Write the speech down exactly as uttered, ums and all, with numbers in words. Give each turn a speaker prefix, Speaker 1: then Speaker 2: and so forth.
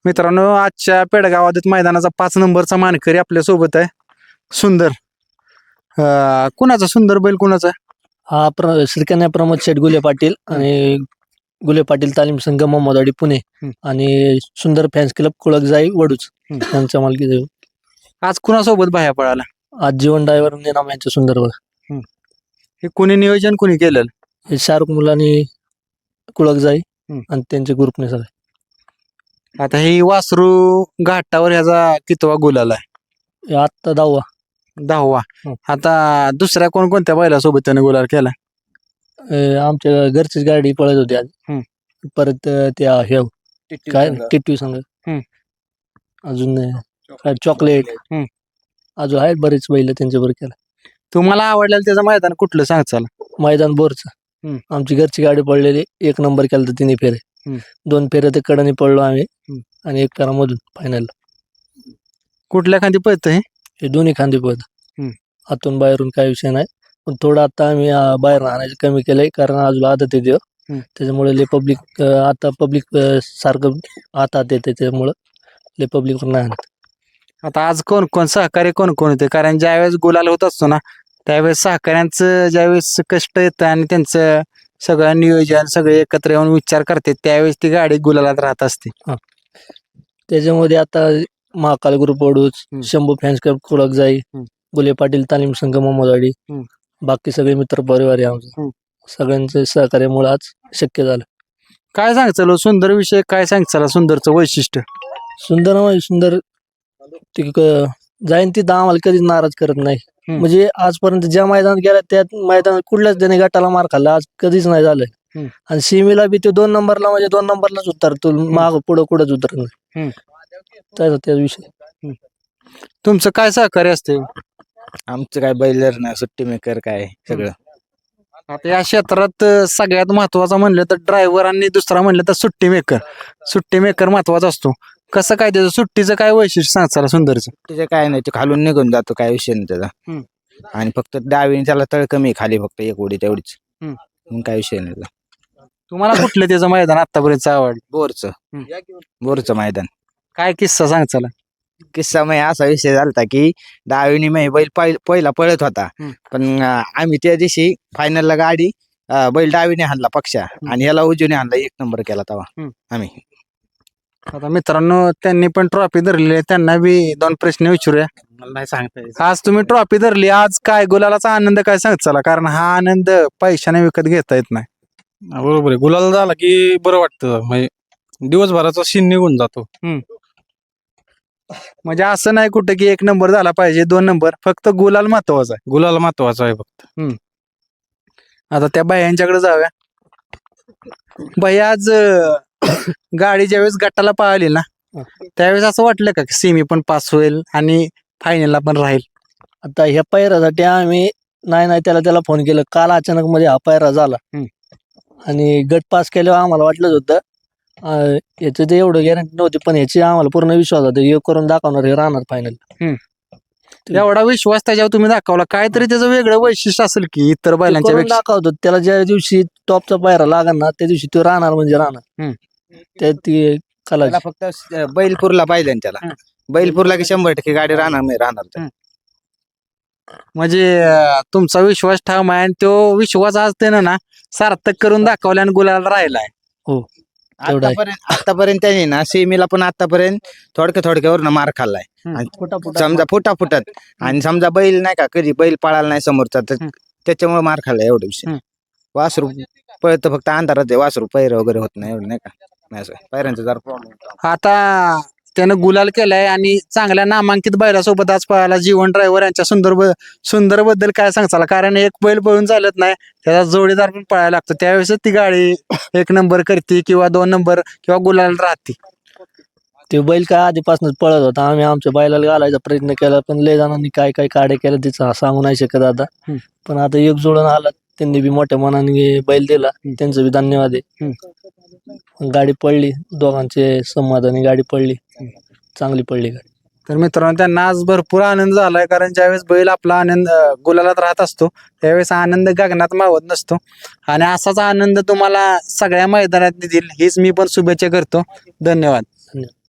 Speaker 1: मित्रांनो आजच्या पेडगाव आदत मैदानाचा पाच नंबरचा मानकरी आपल्या सोबत आहे सुंदर. अं, कुणाचा सुंदर बैल कुणाचा आहे?
Speaker 2: हा प्र श्रीकन्या प्रमोद शेठ गुले पाटील आणि गुले पाटील तालीम संघ मोहम्मदवाडी पुणे
Speaker 1: हम्म.
Speaker 2: आणि सुंदर फॅन्स क्लब कुळकजाई वडूच
Speaker 1: हम्म.
Speaker 2: यांच्या मालकी.
Speaker 1: आज कुणासोबत बाहेर पळाला?
Speaker 2: आज जीवन ड्रायव्हर नाम यांचे सुंदर बघ.
Speaker 1: हे कुणी नियोजन कुणी केलं?
Speaker 2: हे शाहरुख मुलांनी कुळकजाई
Speaker 1: हम्म.
Speaker 2: आणि त्यांचे ग्रुपने सगळे.
Speaker 1: आता ही वासरू घाटावर ह्याचा कितवा गुलाल आहे?
Speaker 2: हे आत्ता दहावा.
Speaker 1: दहावा.
Speaker 2: हम्म.
Speaker 1: आता दुसऱ्या कोणकोणत्या बैलासोबत त्याने गुलाल केला?
Speaker 2: हे आमच्या घरचीच गाडी पळत होती आज.
Speaker 1: हम्म.
Speaker 2: परत त्या हे काय टिटवी संघ.
Speaker 1: हम्म.
Speaker 2: अजून काय चॉकलेट.
Speaker 1: हम्म.
Speaker 2: अजून आहेत बरेच बैल त्यांच्याबरोबर केला.
Speaker 1: तुम्हाला आवडलेलं त्याचं मैदान कुठलं सांग चला?
Speaker 2: मैदान बोरचं.
Speaker 1: हम्म.
Speaker 2: आमची घरची गाडी पडलेली एक नंबर केला तर तिन्ही फेरे.
Speaker 1: हम्म.
Speaker 2: दोन फेरे ते कडनी पडलो आम्ही
Speaker 1: हम्म.
Speaker 2: आणि एक फेरा मधून फायनल.
Speaker 1: कुठल्या खांदी पळतं हे?
Speaker 2: हे दोन्ही खांदे पद.
Speaker 1: हम्म.
Speaker 2: आतून बाहेरून काही विषय नाही, पण थोडं आता आम्ही अं, बाहेर राहण्याचं कमी केलंय कारण अजून आदत येते.
Speaker 1: हम्म.
Speaker 2: त्याच्यामुळे ले पब्लिक आता पब्लिक सारखं आतात येते त्याच्यामुळं ले पब्लिक नाही आणत.
Speaker 1: आता आज कोण कोण सहकार्य कोण कोण होते? कारण ज्यावेळेस गुलाल होत असतो ना त्यावेळेस सहकाऱ्यांचं ज्यावेळेस कष्ट येतं आणि त्यांचं सगळं नियोजन सगळे एकत्र येऊन विचार करते त्यावेळेस ती गाडी गुलालात राहत असते.
Speaker 2: त्याच्यामध्ये आता महाकाल ग्रुप वडूच,
Speaker 1: हम्म.
Speaker 2: शंभू फॅन्स क्लब कुळकजाई,
Speaker 1: हम्म.
Speaker 2: गुले पाटील तालीम संघ मोहम्मदवाडी,
Speaker 1: हम्म.
Speaker 2: बाकी सगळे मित्र परिवार आहे आमचं.
Speaker 1: हम्म.
Speaker 2: सगळ्यांचं सहकार्यामुळे आज शक्य झालं.
Speaker 1: काय सांगचाल सुंदर विषय काय सांगचाल सुंदरचं वैशिष्ट्य?
Speaker 2: सुंदर म्हणजे सुंदर ते क- जाईन तिथं आम्हाला कधीच नाराज करत नाही.
Speaker 1: हम्म.
Speaker 2: म्हणजे आजपर्यंत ज्या मैदानात गेला त्या मैदानात कुठल्याच त्याने गटाला मार खाल्ला आज कधीच नाही झालं.
Speaker 1: हम्म.
Speaker 2: आणि सीमेला बी ते दोन नंबरला म्हणजे दोन नंबरलाच उतरतो, माग पुढं कुठंच उतरत नाही.
Speaker 1: हम्म.
Speaker 2: त्याचा त्या विषय.
Speaker 1: तुमचं काय सहकार्य असते?
Speaker 3: आमचं काय बैलर ना सुट्टी मेकर काय सगळं.
Speaker 1: आता या क्षेत्रात अं, सगळ्यात महत्वाचं म्हणलं तर ड्रायव्हर आणि दुसरा म्हणलं तर सुट्टी मेकर. सुट्टी मेकर महत्वाचा असतो. कसं काय त्याचं सुट्टीचं काय वैशिष्ट्य सांगचाल सुंदरचं?
Speaker 3: त्याचं काय नाही ते खालून निघून जातो काय विषय नाही त्याचा.
Speaker 1: हम्म.
Speaker 3: आणि फक्त डावीने त्याला तळ कमी आहे, खाली फक्त एक उडी तेवढीच.
Speaker 1: हम्म.
Speaker 3: मग काय विषय नाही त्याचा.
Speaker 1: तुम्हाला कुठलं त्याचं मैदान आतापर्यंत आवडलं?
Speaker 3: बोरचं
Speaker 1: हम्म.
Speaker 3: बोरचं मैदान.
Speaker 1: काय किस्सा सांगचाल?
Speaker 3: किस्सा मग असा विषय झालता की डावीने मग बैल पहि- पहिला पळत होता.
Speaker 1: हम्म.
Speaker 3: पण अं, आम्ही त्या दिवशी फायनलला गाडी अं, बैल डावीने हाणला पक्षा आणि याला उजवीने हाणला, एक नंबर केला तेव्हा
Speaker 1: हम्म.
Speaker 3: आम्ही.
Speaker 1: आता मित्रांनो त्यांनी पण ट्रॉफी धरलेली आहे त्यांना बी दोन प्रश्न विचारूया.
Speaker 3: मला नाही सांगता
Speaker 1: आज तुम्ही ट्रॉफी धरली आज काय गुलालाचा आनंद काय सांगचाल? कारण हा आनंद पैशाने विकत घेता येत नाही.
Speaker 4: बरोबर आहे. गुलाल झाला की बरं वाटतं, म्हणजे दिवसभराचा शीन निघून जातो.
Speaker 1: म्हणजे असं नाही कुठं की एक नंबर झाला पाहिजे दोन नंबर, फक्त गुलाल महत्वाचा आहे.
Speaker 4: गुलाल महत्वाचा आहे फक्त.
Speaker 1: आता त्या बायांच्याकडे जाऊया. बाई आज अं, गाडी ज्यावेळेस गटाला पळाली ना त्यावेळेस असं वाटलं का सेमी पण पास होईल आणि फायनलला पण राहील?
Speaker 2: आता ह्या पायऱ्यासाठी आम्ही नाही नाही त्याला त्याला फोन केलं. काल अचानक मध्ये हा पायरा झाला
Speaker 1: हम्म.
Speaker 2: आणि गट पास केल्यावर आम्हाला वाटलंच होतं अं, याचं ते एवढं गॅरंटी नव्हती, पण याची आम्हाला पूर्ण विश्वास होता हे करून दाखवणार, हे राहणार फायनल.
Speaker 1: एवढा विश्वास त्याच्यावर तुम्ही दाखवला. काहीतरी त्याचं वेगळं वैशिष्ट्य असेल की इतर बैलांच्या पेक्षा?
Speaker 2: दाखवतो त्याला ज्या दिवशी टॉपचा पायरा लागणार ना त्या दिवशी तो राहणार म्हणजे राहणार.
Speaker 1: हम्म.
Speaker 2: त्या ती कला
Speaker 3: त्याला फक्त स- बैलपूरला पाहिजे ना त्याला.
Speaker 1: हम्म.
Speaker 3: बैलपूरला की शंभर टक्के गाडी राहणार नाही राहणार तर.
Speaker 1: म्हणजे अं, तुमचा विश्वास ठाम आहे आणि तो विश्वास आज त्यानं ना सार्थक करून दाखवला आणि गुलाल राहिलाय.
Speaker 2: तेवढं आहे.
Speaker 3: आतापर्यंत आतापर्यंत त्याने ना सेमीला पण आतापर्यंत थोडक्या थोडक्यावर मार खाल्लाय. आणि
Speaker 2: फुटा फुटा
Speaker 3: समजा फुटा फुटत आणि समजा बैल नाही का कधी बैल पळाला नाही समोरचा तर
Speaker 1: हम्म.
Speaker 3: त्याच्यामुळे मार खाल्लाय एवढा विषय.
Speaker 1: हम्म.
Speaker 3: वासरू पळत फक्त अंधारात आहे, वासरू पैर वगैरे होत नाही एवढं नाही का. नाही असं पैरांचा जरा प्रॉब्लेम.
Speaker 1: आता त्यानं गुलाल केलाय आणि चांगल्या नामांकित बैलासोबत आज पळाला. जीवन ड्रायव्हर यांच्या सुंदर ब- सुंदर बद्दल काय सांगचाल? कारण एक बैल पळून चालत नाही, त्याचा जोडीदार पण पळायला लागतो, त्यावेळेस ती गाडी एक नंबर करते किंवा दोन नंबर किंवा गुलाल राहते.
Speaker 2: ते बैल काय आधीपासूनच पळत होता. आम्ही आमच्या बैलाला घालायचा प्रयत्न केला, पण लय जणांनी काय काय काढे केलं तिचं सांगू नाही शकत आता.
Speaker 1: हम्म.
Speaker 2: पण आता एक जोडून आला त्यांनी बी मोठ्या मनाने बैल दिला, त्यांचं बी धन्यवाद आहे. गाडी पडली, दोघांचे समाधानी गाडी पडली, चांगली पडली गाडी.
Speaker 1: तर मित्रांनो त्यांना आज भरपूर आनंद झालाय कारण ज्यावेळेस बैल आपला आनंद अं, गुलालात राहत असतो त्यावेळेस आनंद गगनात मावत नसतो. आणि असाच आनंद तुम्हाला सगळ्या मैदानात देतील हीच मी पण शुभेच्छा करतो. धन्यवाद.